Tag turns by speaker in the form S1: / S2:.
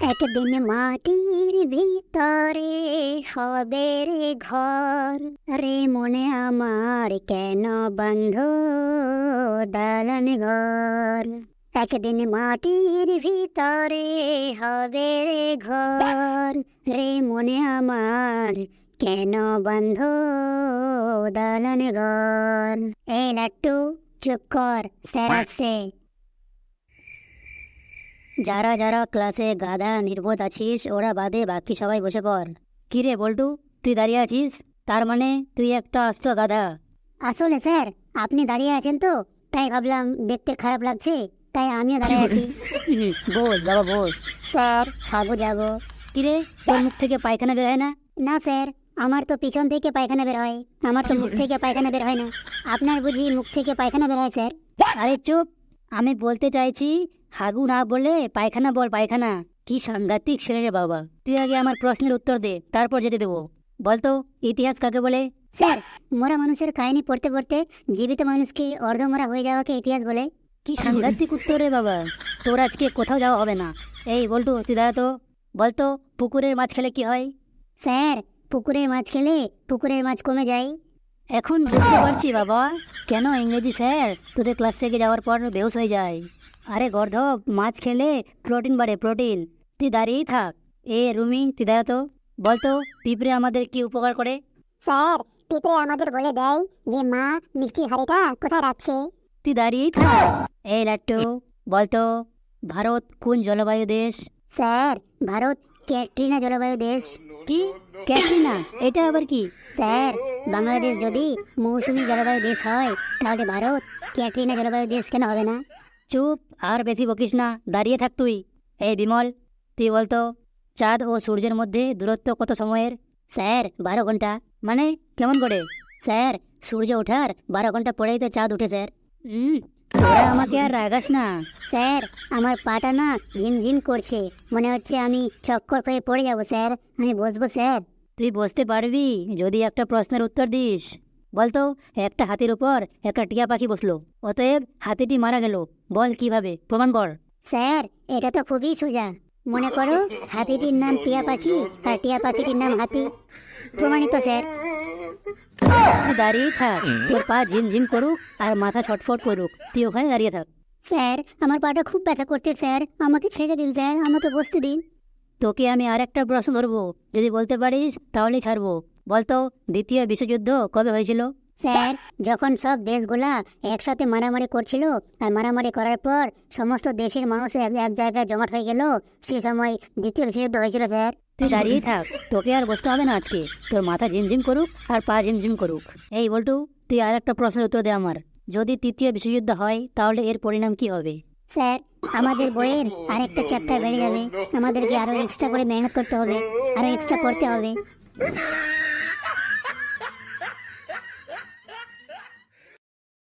S1: একদিন মাটির ভিতরে হবে রে ঘর, রে মনে আমার কেন বন্ধ দালান ঘর। একদিন মাটির ভিতরে হবে রে ঘর, রে মনে আমার কেন বন্ধ দালান ঘর। এই লাট্টু, চুপ কর, স্যার আসছে। যারা যারা ক্লাসে গাধা নির্বোধ আছিস ওরা বাদে বাকি সবাই বসে পড়। কিরে বল্টু, তুই দাঁড়িয়ে আছিস, তার মানে তুই একটা আস্ত গাধা। আসলে স্যার, আপনি দাঁড়িয়ে আছেন তো তাই ভাবলাম দেখতে খারাপ লাগছে, তাই আমিও দাঁড়িয়ে আছি।
S2: বস বাবা বস।
S1: স্যার, খাবো যাবো।
S2: কিরে, তোর মুখ থেকে পায়খানা বের হয় না?
S1: না স্যার, আমার তো পিছন থেকে পায়খানা বের হয়, আমার তো মুখ থেকে পায়খানা বের হয় না। আপনার বুঝি মুখ থেকে পায়খানা বের হয় স্যার?
S2: আরে চুপ, আমি বলতে চাইছি হাগু না বলে পায়খানা বল, পায়খানা। কি সাংঘাতিক ছেলে রে বাবা। তুই আগে আমার প্রশ্নের উত্তর দে, তারপর যেতে দেবো। বলতো ইতিহাস কাকে বলে?
S1: স্যার, মরা মানুষের কাহিনী পড়তে পড়তে জীবিত মানুষকে অর্ধমরা হয়ে যাওয়াকে ইতিহাস বলে।
S2: কি সাংঘাতিক উত্তর রে বাবা, তোর আজকে কোথাও যাওয়া হবে না। এই বল্টু, তুই দাঁড়া তো। বলতো পুকুরের মাছ খেলে কি হয়?
S1: স্যার, পুকুরের মাছ খেলে পুকুরের মাছ কমে যায়।
S2: এখন বুঝতে পারছি বাবা, কেন ইংরেজি স্যার তোদের ক্লাস থেকে যাওয়ার পর বেহুশ হয়ে যায়। আরে গর্ধব, মাছ খেলে প্রোটিন বাড়ে, প্রোটিন। তুই দাঁড়িয়েই থাক। এ রুমি, তুই দাঁড়া তো। বলতো পিঁপড়ে আমাদের কি উপকার করে?
S1: স্যার, পিঁপড়ে আমাদের বলে দেয় যে মা মিষ্টির হাঁড়িটা কোথায় রাখছে।
S2: তুই দাঁড়িয়েই থাক। এই লাট্টু, বলতো ভারত কোন জলবায়ু দেশ?
S1: স্যার, ভারত ক্যাটরিনা জলবায়ু দেশ।
S2: কি ক্যাটরিনা? এটা আবার কি?
S1: স্যার, বাংলাদেশ যদি মৌসুমী জলবায়ু দেশ হয় তাহলে ভারত ক্যাটরিনা জলবায়ু দেশ কেন হবে না?
S2: চুপ, আর বেশি বকিস না, দাঁড়িয়ে থাক তুই। এই বিমল, তুই বলতো চাঁদ ও সূর্যের মধ্যে দূরত্ব কত সময়ের?
S1: স্যার, 12 ঘন্টা।
S2: মানে কেমন করে?
S1: স্যার, সূর্য ওঠার 12 ঘন্টা পরেই তো চাঁদ উঠে স্যার।
S2: তোরা আমাকে আর রাগাস না।
S1: স্যার, আমার পাটা না ঝিমঝিম করছে, মনে হচ্ছে আমি চক্কর হয়ে পড়ে যাব স্যার। আমি বসবো স্যার?
S2: তুই বসতে পারবি যদি একটা প্রশ্নের উত্তর দিস। বলতো একটা হাতির উপর একটা টিয়া পাখি বসলো, অতএব হাতিটি মারা গেল। বল কিভাবে, প্রমাণ কর।
S1: স্যার, এটা তো খুবই সোজা। মনে করো হাতিটির নাম টিয়া পাখি আর টিয়া পাখিটির নাম হাতি। প্রমাণিত স্যার।
S2: তুই দাঁড়িয়েই থাক, তোর পা ঝিমঝিম করুক আর মাথা ছটফট করুক, তুই ওখানে দাঁড়িয়ে থাক।
S1: স্যার, আমার পাটা খুব ব্যথা করছে স্যার, আমাকে ছেড়ে দিন স্যার, আমাকে বসতে দিন।
S2: তোকে আমি আর একটা প্রশ্ন ধরবো, যদি বলতে পারিস তাহলেই ছাড়বো। বলতো দ্বিতীয় বিশ্বযুদ্ধ কবে হয়েছিল?
S1: স্যার, যখন সব দেশগুলা একসাথে মারামারি করছিল আর মারামারি করার পর সমস্ত দেশের মানুষ এক এক জায়গায় জমাট হয়ে গেল, সেই সময় দ্বিতীয় বিশ্বযুদ্ধ হয়েছিল স্যার।
S2: তুই দাঁড়িয়েই থাক, তোকে আর বসতে হবে না আজকে। তোর মাথা ঝিমঝিম করুক আর পা ঝিমঝিম করুক। এই বল্টু, তুই আর একটা প্রশ্নের উত্তর দে আমার। যদি তৃতীয় বিশ্বযুদ্ধ হয় তাহলে এর পরিণাম কি হবে?
S1: স্যার, আমাদের বইয়ের আরেকটা চ্যাপ্টার বেড়ে যাবে, আমাদেরকে আরো এক্সট্রা করে মেহনত করতে হবে, আরো এক্সট্রা পড়তে হবে।